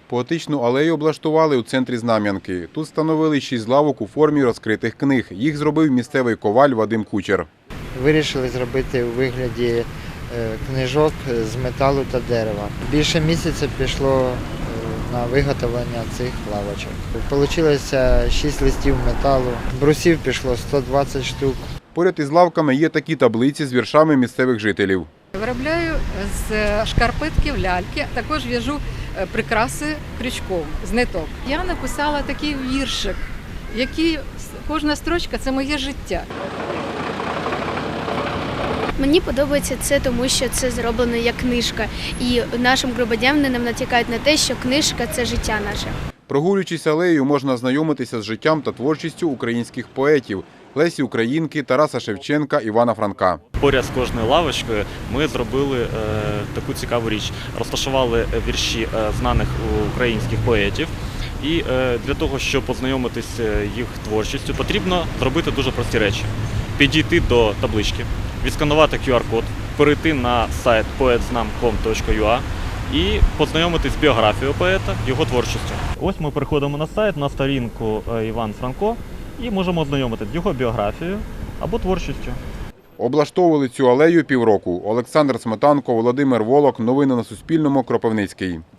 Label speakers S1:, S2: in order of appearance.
S1: Поетичну алею облаштували у центрі Знам'янки. Тут встановили 6 лавок у формі розкритих книг. Їх зробив місцевий коваль Вадим Кучер.
S2: Вирішили зробити у вигляді книжок з металу та дерева. Більше місяця пішло на виготовлення цих лавочок. Получилося 6 листів металу, брусів пішло 120 штук.
S1: Поряд із лавками є такі таблиці з віршами місцевих жителів.
S3: Виробляю з шкарпетків ляльки, також в'яжу прикраси крючком з ниток. Я написала такий віршик, який кожна строчка – це моє життя.
S4: Мені подобається це, тому що це зроблено як книжка. І нашим громадянам натякають на те, що книжка – це життя наше.
S1: Прогулюючись алеєю, можна ознайомитися з життям та творчістю українських поетів – Лесі Українки, Тараса Шевченка, Івана Франка.
S5: Поряд з кожною лавочкою ми зробили таку цікаву річ. Розташували вірші знаних українських поетів. І для того, щоб познайомитися їх творчістю, потрібно зробити дуже прості речі. Підійти до таблички, відсканувати QR-код, перейти на сайт poetznam.com.ua і познайомитись з біографією поета, його творчістю. Ось ми переходимо на сайт, на сторінку Іван Франко і можемо ознайомитися з його біографією або творчістю.
S1: Облаштовували цю алею півроку. Олександр Сметанко, Володимир Волок. Новини на Суспільному. Кропивницький.